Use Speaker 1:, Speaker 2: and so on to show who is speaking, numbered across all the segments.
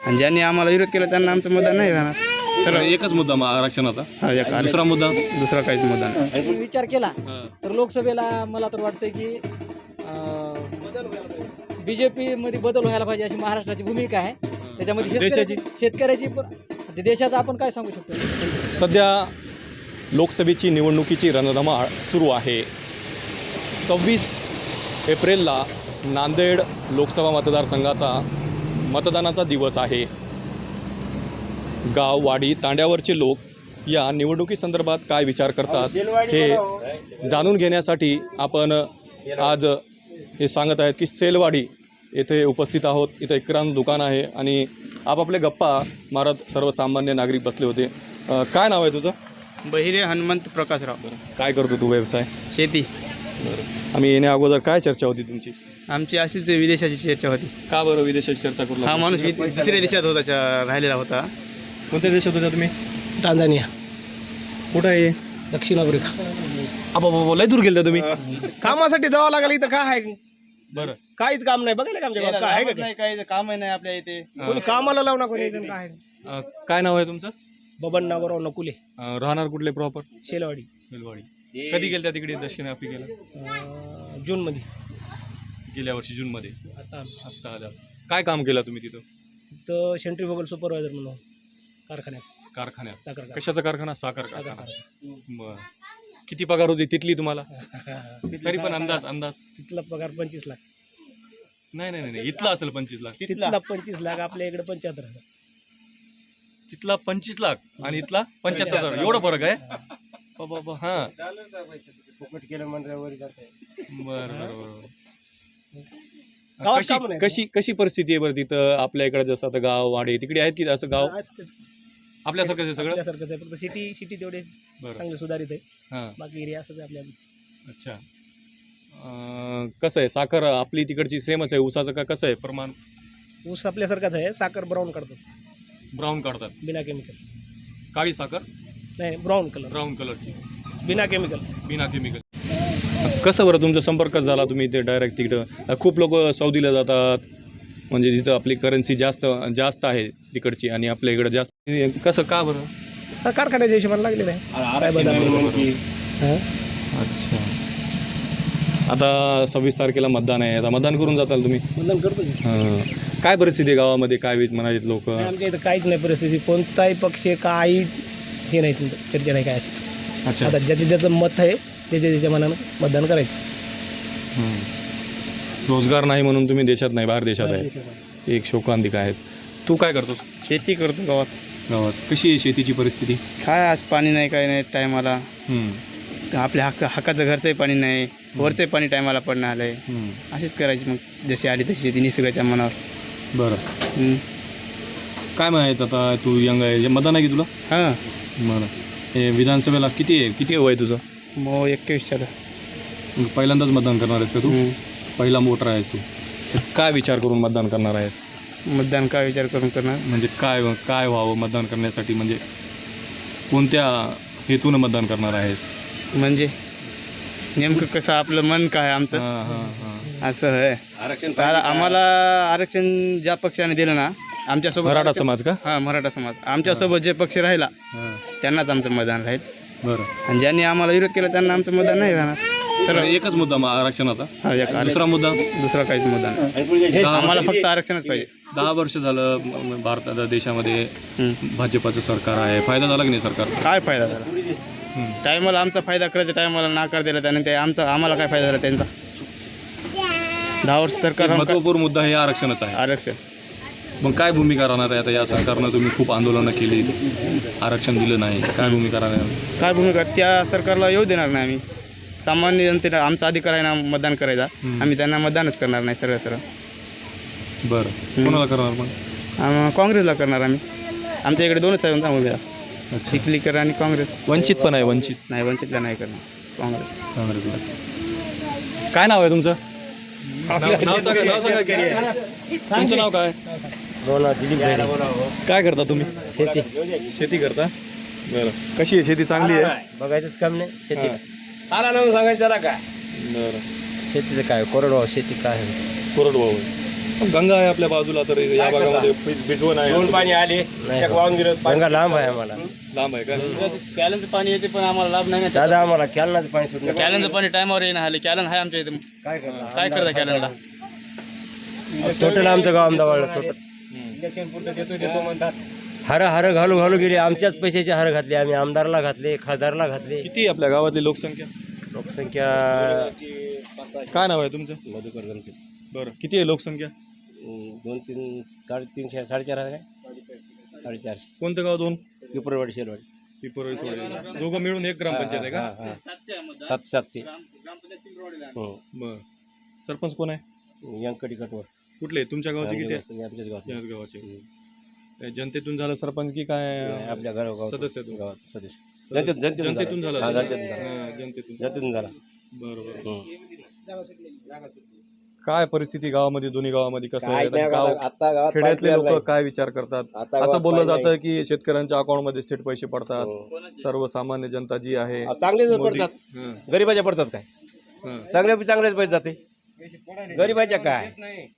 Speaker 1: आणि ज्यांनी आम्हाला विरोध केला त्यांना आमचं मतदान नाही राहणार.
Speaker 2: सरळ एकच मुद्दा आरक्षणाचा, दुसरा मुद्दा
Speaker 1: दुसरा काहीच मतदान नाही.
Speaker 3: विचार केला तर लोकसभेला मला तर वाटतं की BJP मध्ये बदल व्हायला पाहिजे अशी महाराष्ट्राची भूमिका आहे. त्याच्यामध्ये शेतकऱ्याची पण देशाचा आपण काय सांगू शकतो.
Speaker 2: सध्या लोकसभेची निवडणुकीची रणधमाळ सुरू आहे. 26 एप्रिलला नांदेड लोकसभा मतदारसंघाचा मतदानाचा दिवस आहे. गाव वाडी तांड्यावरचे लोक या निवडणुकीसंदर्भात काय विचार करतात हे जाणून घेण्यासाठी आपण आज हे सांगत आहेत की सेलवाडी येथे उपस्थित आहोत. इथं एक किराणा दुकान आहे आणि आपापले गप्पा मारत सर्वसामान्य नागरिक बसले होते. काय नाव आहे तुझं?
Speaker 1: बहिरे हनुमंत प्रकाशराव.
Speaker 2: काय करतो तू व्यवसाय?
Speaker 1: शेती.
Speaker 2: आम्ही येण्या अगोदर काय चर्चा होती तुमची?
Speaker 1: आमची अशीच विदेशाची चर्चा होती.
Speaker 2: का बरं विदेशाची चर्चा करू?
Speaker 1: हा माणूस दुसऱ्या देशात होता, राहिलेला होता.
Speaker 2: कोणत्या देशात होता तुम्ही?
Speaker 3: टांझानिया.
Speaker 2: कुठं आहे?
Speaker 3: दक्षिण आफ्रिका.
Speaker 2: बाबा लय दूर गेलता तुम्ही?
Speaker 3: कामासाठी जावं लागलं. इथं काय आहे?
Speaker 2: बरं,
Speaker 3: काहीच काम नाही. बघायला का आमच्या गावात काय आहे?
Speaker 1: नाही, काही काम नाही आपल्या इथे.
Speaker 3: कोणी कामाला लावू ना कोणी. काय
Speaker 2: काय नाव आहे तुमचं?
Speaker 3: बबन नागोराव नकुले.
Speaker 2: राहणार कुठले प्रॉपर?
Speaker 3: शेलवाडी.
Speaker 2: सेलवाडी. कधी गेलता तिकडे दक्षिण आफ्रिकेला?
Speaker 3: जूनमध्ये.
Speaker 2: गेल्या वर्षी जूनमध्ये.
Speaker 3: आता
Speaker 2: आला. काय काम केलं तुम्ही तिथं?
Speaker 3: तर सेंट्रीफ्युगल सुपरवायझर म्हणून कारखान्यात.
Speaker 2: कशाचा कारखाना? साखर कारखाना. बरं. किती पगार होती तिथली तुम्हाला? तरी पण अंदाज.
Speaker 3: तिथला पगार 25 लाख.
Speaker 2: नाही इथला असेल 25 लाख.
Speaker 3: तिथला 25 लाख. आपल्या इकडे 75,000.
Speaker 2: तिथला 25 लाख आणि इथला 75,000. एवढा फरक आहे? बाबा हा. बरं. कशी परिस्थिती आहे बरं तिथं आपल्या इकडे? जसं आता गाव वाडे तिकडे आहेत की असं गाव आपल्यासारखंच आहे सगळं?
Speaker 3: आपल्यासारखंच आहे. फक्त सिटी तेवढे चांगले सुधारित आहे.
Speaker 2: हां.
Speaker 3: बाकी एरिया असंच आहे आपल्याला.
Speaker 2: अच्छा. कसं आहे साखर आपली तिकडची सेमच आहे? ऊसाचं का कसं आहे प्रमाण?
Speaker 3: ऊस आपल्यासारखाच आहे. साखर ब्राऊन काढतात. बिना केमिकल.
Speaker 2: काळी साखर
Speaker 3: नाही, ब्राऊन
Speaker 2: कलरची.
Speaker 3: बिना केमिकल.
Speaker 2: कसं बरं तुमचा संपर्क झाला? तुम्ही ते डायरेक्ट तिकडं खूप लोक सौदीला जातात, म्हणजे जिथं आपली करन्सी जास्त आहे तिकडची आणि आपल्या इकडं जास्त. कसं का बरं?
Speaker 3: कारखान्याच्या हिशोबाने लागलेलं आहे.
Speaker 2: अच्छा. आता 26 तारखेला मतदान आहे. आता मतदान करून जाताल तुम्ही?
Speaker 3: मतदान करतो.
Speaker 2: काय परिस्थिती आहे गावामध्ये? काय म्हणालेत लोक?
Speaker 3: आमच्या इथं काहीच नाही परिस्थिती. कोणताही पक्ष काही हे नाही, चर्चा नाही काय अशी.
Speaker 2: अच्छा.
Speaker 3: आता ज्याचं मत आहे त्याच्या मनानं मतदान करायचं.
Speaker 2: रोजगार नाही म्हणून तुम्ही देशात नाही, बाहेर देशात आहे. एक शोकांतिका आहेत. तू काय करतोस?
Speaker 1: शेती करतो गावात.
Speaker 2: कशी आहे शेतीची परिस्थिती?
Speaker 1: काय आज पाणी नाही, काही नाही टायमाला. आपल्या हक्काचं घरचंही पाणी नाही, वरचंही पाणी टायमाला पडणं आलं आहे. अशीच करायची मग, जशी आली तशी शेती निसर्गाच्या मनावर.
Speaker 2: बरं. काय माहीत आता तू यंग आहे, मतदान आहे की तुला?
Speaker 1: हां.
Speaker 2: बरं. हे विधानसभेला किती वय तुझं?
Speaker 1: मग 21.
Speaker 2: पहिल्यांदाच मतदान करणार आहेस का तू? पहिला वोटर आहेस तू. काय विचार करून मतदान करणार आहेस?
Speaker 1: मतदान काय विचार करून करणार
Speaker 2: म्हणजे काय व्हावं मतदान करण्यासाठी? म्हणजे कोणत्या हेतून मतदान करणार आहेस?
Speaker 1: म्हणजे नेमकं कसं आपलं मन काय आमचं असं आहे. आम्हाला आरक्षण ज्या पक्षाने दिलं ना आमच्यासोबत.
Speaker 2: मराठा समाज का?
Speaker 1: हां, मराठा समाज. आमच्यासोबत जे पक्ष राहिला त्यांनाच आमचं मतदान राहील.
Speaker 2: बरं.
Speaker 1: आणि ज्यांनी आम्हाला विरोध केला त्यांना आमचं मतदान नाही राहणार.
Speaker 2: सरळ एकच मुद्दा आरक्षणाचा.
Speaker 1: दुसरा
Speaker 2: मुद्दा?
Speaker 1: दुसरा काहीच मुद्दा नाही. आम्हाला फक्त आरक्षणच पाहिजे.
Speaker 2: 10 वर्ष झालं भारतात देशामध्ये भाजपाचं सरकार आहे. फायदा झाला की नाही सरकारचा?
Speaker 1: काय फायदा झाला? टायमाला आमचा फायदा करायच्या टायमाला नाकार दिला त्याने. ते आम्हाला काय फायदा झाला त्यांचा? 10 वर्ष सरकार.
Speaker 2: महत्त्वपूर्ण मुद्दा हे आरक्षणच आहे.
Speaker 1: आरक्षण.
Speaker 2: मग काय भूमिका राहणार आहे आता या सरकारनं? तुम्ही खूप आंदोलनं केली, आरक्षण दिलं नाही. काय भूमिका राहणार?
Speaker 1: काय भूमिका? त्या सरकारला येऊ देणार नाही आम्ही. सामान्य जनतेला आमचा अधिकार आहे ना मतदान करायचा. आम्ही त्यांना मतदानच करणार नाही सरळ.
Speaker 2: बरं. कोणाला करणार मग?
Speaker 1: काँग्रेसला करणार आम्ही. आमच्या इकडे 2च आहे उमेदवार, चिखलीकर आणि काँग्रेस.
Speaker 2: वंचित पण आहे?
Speaker 1: वंचितला नाही करणार.
Speaker 2: काँग्रेसला. काय नाव आहे तुमचं? तुमचं नाव काय? काय करता तुम्ही? शेती करता? बरं. कशी आहे शेती? चांगली आहे?
Speaker 3: बघायचंच काम नाही शेती. साला नाव सांगायचं जरा काय.
Speaker 2: बरं.
Speaker 3: शेतीचं काय? कोरडवाहू शेती काय?
Speaker 2: कोरडवाहू. गंगा आहे आपल्या बाजूला, तर या भागामध्ये भिजवण आहे असं.
Speaker 4: पाणी आले वाहून गेलं गंगा लांब आहे आम्हाला
Speaker 2: लांब आहे का?
Speaker 1: कॅलनचं पाणी येते पण आम्हाला लाभ नाही
Speaker 4: साधा आम्हाला कॅलनाचं पाणी सुटलं
Speaker 1: कॅलनचं पाणी टायमावर येणं आले कॅलन आहे आमच्या इथे काय करता कॅलनला
Speaker 4: टोटल आमचं गाव अहमदाबाद टोटल हर घालू घालू गेले आमच्याच पैशाचे हर घातले आम्ही आमदारला घातले खासदारला घातले
Speaker 2: किती आहे आपल्या गावातली लोकसंख्या?
Speaker 4: लोकसंख्या
Speaker 2: काय नाव आहे तुमचं?
Speaker 4: मधुकर गणपती
Speaker 2: बरं, किती आहे लोकसंख्या?
Speaker 4: 2-3 350 450 आहे काय 450
Speaker 2: कोणतं गाव? 2
Speaker 4: पिपरवाडी शेलवाडी
Speaker 2: पिपरोळी सोडे दोघं मिळून एक ग्रामपंचायत आहे का?
Speaker 4: 700
Speaker 2: बरं, सरपंच कोण आहे?
Speaker 4: यंकटी कटवर
Speaker 2: कुठले? तुमच्या गावाचे किती आहे?
Speaker 4: आमच्याच गावात
Speaker 2: याच गावाचे. जनतेतून झालं सरपंच की काय
Speaker 4: आपल्या गावात
Speaker 2: सदस्य?
Speaker 4: गावात सदस्य
Speaker 2: जनतेतून झालं.
Speaker 4: हा, जनतेतून झालं.
Speaker 2: हा, जनतेतून.
Speaker 4: जातीतून झाला
Speaker 2: बरोबर. काय परिस्थिती गावामध्ये, दोन्ही गावामध्ये कसं आहे? गाव
Speaker 4: आता गावात
Speaker 2: खेड्यातले
Speaker 4: पाणी
Speaker 2: लोक काय विचार करतात?
Speaker 4: आता
Speaker 2: असं
Speaker 4: गावात
Speaker 2: बोललं
Speaker 4: पाणी
Speaker 2: जातं की शेतकऱ्यांच्या अकाउंटमध्ये थेट पैसे पडतात.
Speaker 4: हो.
Speaker 2: सर्वसामान्य जनता जी आहे
Speaker 4: चांगलेच
Speaker 2: मोदी-
Speaker 4: पडतात
Speaker 2: हं,
Speaker 4: गरीबाच्या पडतात काय
Speaker 2: हं.
Speaker 4: चांगलेच पैसे जाते गरीबाच्या काय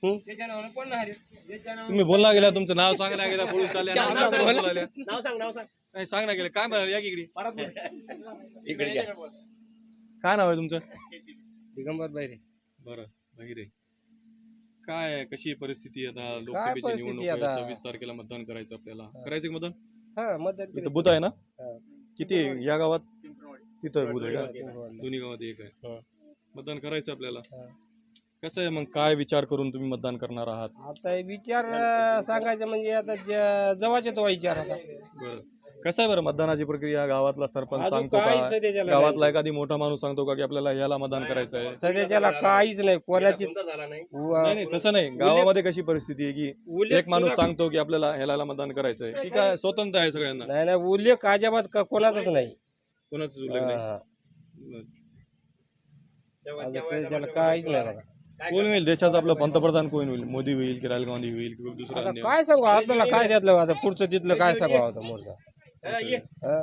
Speaker 2: तुम्ही बोलला गेला, तुमचं नाव सांगला गेला, बोलून चालल्या, नाव काय बोलायला? नाही, सांग ना गेलं काय म्हणाले? या की इकडे.
Speaker 4: इकडे घ्या.
Speaker 2: काय नाव आहे तुमचं?
Speaker 4: दिगंबर बैरे
Speaker 2: बरं, बहिरे. काय कशी परिस्थिती आहे आता? लोकसभेची
Speaker 4: परिस्थिती
Speaker 2: निवडणूक आहे,
Speaker 4: आता?
Speaker 2: 26 तारखेला मतदान करायचं आपल्याला. करायचं का मतदान?
Speaker 4: हा मतदान
Speaker 2: इथं बूथ आहे ना?
Speaker 4: हा.
Speaker 2: किती आहे? या गावात तिथं बूथ आहे का?
Speaker 4: पिंपळवाडीला.
Speaker 2: दोन्ही गावात एक आहे.
Speaker 4: हा.
Speaker 2: मतदान करायचं आपल्याला.
Speaker 4: हा.
Speaker 2: कसं आहे मग, काय विचार करून तुम्ही मतदान करणार आहात?
Speaker 4: आता हे विचार सांगायचं म्हणजे आता जवळचे तो विचार आता
Speaker 2: बरं, कसं आहे बरं मतदानाची प्रक्रिया? गावातला सरपंच
Speaker 4: अजून
Speaker 2: सांगतो
Speaker 4: काहीच
Speaker 2: का?
Speaker 4: सध्याच्याला
Speaker 2: गावातला एखादी मोठा माणूस सांगतो का की आपल्याला याला मतदान करायचं आहे?
Speaker 4: सध्याच्याला काहीच नाही कोणाचीच
Speaker 2: नाही नाही, तसं नाही. गावामध्ये कशी परिस्थिती आहे की एक माणूस सांगतो की आपल्याला ह्याला मतदान करायचं आहे, ठीक आहे, स्वतंत्र आहे सगळ्यांना,
Speaker 4: नाही नाही उल्लेख अजिबात कोणाचाच नाही
Speaker 2: कोणाच उल्लेख नाही.
Speaker 4: हा.
Speaker 2: बरं.
Speaker 4: अजून सध्याच्याला काहीच नाही बघा.
Speaker 2: कोण होईल देशाचा आपला पंतप्रधान? कोण होईल? मोदी होईल की राहुल गांधी होईल की दुसरा
Speaker 4: आता
Speaker 2: अन्य?
Speaker 4: काय सांगू आपल्याला काय त्यातलं आता पुढचं तिथलं काय सांगू आता मोरचा हा?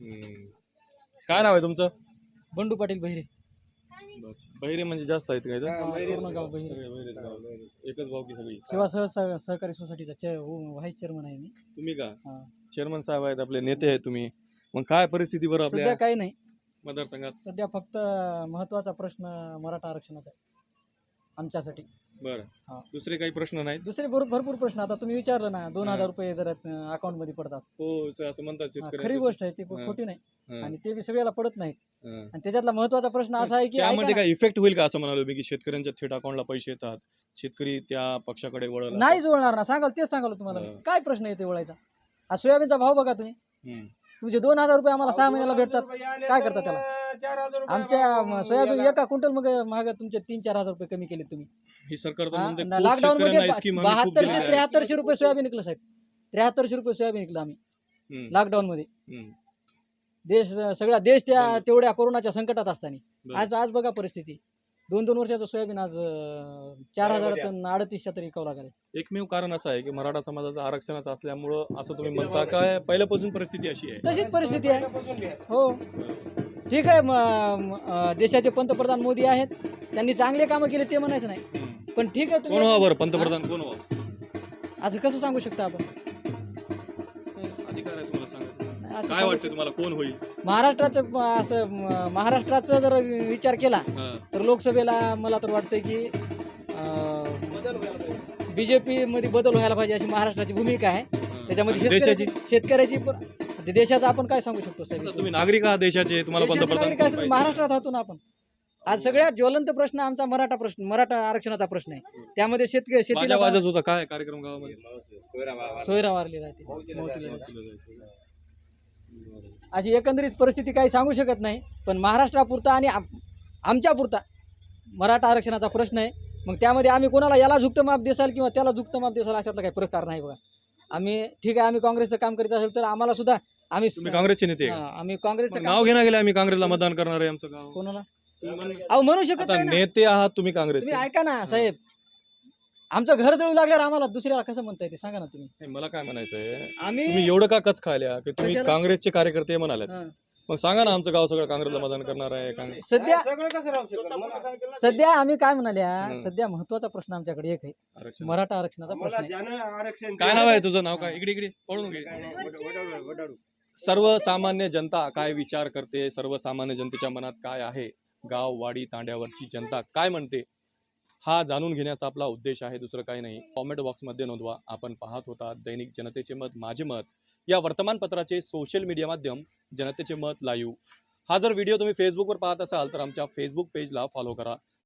Speaker 2: काय नाव आहे तुमचं?
Speaker 3: बंडू पाटील बहिरे
Speaker 2: बहिरे म्हणजे जास्त आहेत काय?
Speaker 3: पूर्ण गाव बहिरे
Speaker 2: सगळे बहिरेच गाव. एकच भाऊ की सगळी?
Speaker 3: सेवा सहकारी सोसायटीचा व्हाईस चेअरमन आहे मी.
Speaker 2: तुम्ही का
Speaker 3: हा.
Speaker 2: चेअरमन साहेब आहेत, आपले नेते आहेत तुम्ही. मग काय परिस्थिती बरं
Speaker 3: सध्या
Speaker 2: आपल्या
Speaker 3: काही नाही,
Speaker 2: मतदारसंघात?
Speaker 3: सध्या फक्त महत्वाचा प्रश्न मराठा आरक्षणाचा आहे आमच्यासाठी.
Speaker 2: बरं,
Speaker 3: हा.
Speaker 2: दुसरे काही प्रश्न नाहीत?
Speaker 3: दुसरे भरपूर प्रश्न आता तुम्ही विचारलं ना, 2000 रुपये जर अकाउंट मध्ये पडतात.
Speaker 2: हो, असं म्हणतात
Speaker 3: हा,
Speaker 2: शेतकरी.
Speaker 3: खरी गोष्ट आहे, ती खोटी नाही आणि ते बी सगळ्याला पडत नाहीत.
Speaker 2: हां.
Speaker 3: आणि त्याच्यातला महत्वाचा प्रश्न असा आहे की
Speaker 2: त्यामध्ये
Speaker 3: ऐका
Speaker 2: काय इफेक्ट होईल का असं म्हणालो मी, की शेतकऱ्यांच्या थेट अकाउंटला पैसे येतात, शेतकरी त्या पक्षाकडे वळला?
Speaker 3: ना, नाही जुळणार ना, सांगाल तेच सांगाल तुम्हाला मी. काय प्रश्न येते वळायचा? आज सोयाबीनचा भाव बघा तुम्ही, तुमचे 2000 रुपये आम्हाला 6 महिन्याला भेटतात, काय करता त्याला? आमच्या सोयाबीन एका क्विंटल मग महाग तुमचे 3-4 हजार रुपये कमी केले तुम्ही.
Speaker 2: ही सरकार तर म्हणते खूप
Speaker 3: लॉकडाऊन मध्ये
Speaker 2: शेतकऱ्यांना स्कीम आम्ही खूप दिलेल्या आहेत.
Speaker 3: 7200-7300 रुपये सोयाबीन निघलं साहेब. 7300 रुपये सोयाबीन निघलं आम्ही
Speaker 2: हम्म,
Speaker 3: लॉकडाऊन मध्ये.
Speaker 2: हम्म.
Speaker 3: सगळा देश त्या तेवढ्या कोरोनाच्या संकटात असताना
Speaker 2: बरं.
Speaker 3: आज बघा परिस्थिती. 2 वर्षाचं सोयाबीन आज 4000 3800 तरी विकावं लागेल.
Speaker 2: एकमेव कारण असं आहे की मराठा समाजाचं आरक्षणाचं असल्यामुळं असं तुम्ही म्हणता काय? पहिल्यापासून परिस्थिती अशी आहे?
Speaker 3: तशीच परिस्थिती आहे. हो ठीक आहे, देशाचे पंतप्रधान मोदी आहेत, त्यांनी चांगले कामं केले ते म्हणायचं नाही,
Speaker 2: हम्म.
Speaker 3: पण ठीक आहे
Speaker 2: कोण
Speaker 3: तुम्ही
Speaker 2: व्हावं बरं पंतप्रधान? कोण व्हावं?
Speaker 3: असं कसं सांगू शकता आपण?
Speaker 2: अधिकार आहे तुम्हाला सांगायचं.
Speaker 3: असं
Speaker 2: काय
Speaker 3: सांगू
Speaker 2: वाटतं तुम्हाला कोण होईल?
Speaker 3: महाराष्ट्राचा जर विचार केला
Speaker 2: हां.
Speaker 3: तर लोकसभेला मला तर वाटतं की बीजेपी मध्ये बदल व्हायला पाहिजे अशी महाराष्ट्राची भूमिका आहे. त्याच्यामध्ये
Speaker 2: देशाची?
Speaker 3: शेतकऱ्याची देशाचं आपण काय सांगू शकतो साहेब?
Speaker 2: आता तुम्ही नागरिक आहात देशाचे, तुम्हाला
Speaker 3: देशाचे
Speaker 2: पंतप्रधान
Speaker 3: नागरिक
Speaker 2: कोण
Speaker 3: असतील,
Speaker 2: पाहिजे?
Speaker 3: महाराष्ट्रात राहतो ना आपण. आज सगळ्यात ज्वलंत प्रश्न आमचा मराठा आरक्षणाचा प्रश्न आहे. त्यामध्ये शेतीला
Speaker 2: माझ्या वाजत होता काय कार्यक्रम गावामध्ये?
Speaker 3: सोयरा वारलेला आहे, मौतीला जायचं. अशी एकंदरीत परिस्थिती काही सांगू शकत नाही, पण महाराष्ट्रापुरता आणि आमच्यापुरता मराठा आरक्षणाचा प्रश्न आहे. मग त्यामध्ये आम्ही कोणाला याला झुकतं माप देसाल किंवा त्याला झुकतं माप देसाल अशातला काही प्रकार नाही बघा. आम्ही ठीक आहे, आम्ही काँग्रेसचं काम करीत असेल तर आम्हाला सुद्धा
Speaker 2: तुम्ही काँग्रेसचे नेते आहे का?
Speaker 3: आम्ही काँग्रेसचं
Speaker 2: मग नाव घेणं गेलं आम्ही काँग्रेसला मतदान करणार आहे आमचं गाव.
Speaker 3: कोणाला
Speaker 2: तुम्ही म्हण-
Speaker 3: अहो म्हणू शकत
Speaker 2: आता
Speaker 3: नाही ना.
Speaker 2: नेते आहात तुम्ही काँग्रेसचे.
Speaker 3: तुम्ही ऐका ना साहेब, आमचं घर जळू लागल्यावर आम्हाला दुसऱ्याला कसं म्हणता येते सांगा ना तुम्ही.
Speaker 2: नाही, मला काय म्हणायचं आहे,
Speaker 3: आम्ही
Speaker 2: तुम्ही एवढं का कच खायल्या की तुम्ही
Speaker 3: कशाला?
Speaker 2: काँग्रेसचे कार्यकर्ते म्हणाले,
Speaker 3: हां.
Speaker 2: मग सांगा ना, आमचं गाव सगळं काँग्रेसला मतदान करणार आहे. काँग्रेस
Speaker 3: सध्या आम्ही काय म्हणाल्या, सध्या महत्वाचा प्रश्न आमच्याकडे एक आहे,
Speaker 2: आरक्षण.
Speaker 3: मराठा आरक्षणाचा प्रश्न आहे.
Speaker 2: काय नाव आहे तुझं? नाव काय? इकडे इकडे पळून घे. सर्वसामान्य जनता काय विचार करते, सर्वसामान्य जनतेच्या मनात काय आहे, गाव वाडी तांड्यावरची जनता काय म्हणते, हा जाणून घेण्याचा आपला उद्देश आहे, दुसरं काही नाही. कॉमेंट बॉक्समध्ये नोंदवा. आपण पाहत होता दैनिक जनतेचे मत माझे मत या वर्तमानपत्राचे सोशल मीडिया माध्यम जनतेचे मत लाईव्ह. हा जर व्हिडिओ तुम्ही फेसबुकवर पाहत असाल तर आमच्या फेसबुक पेजला फॉलो करा.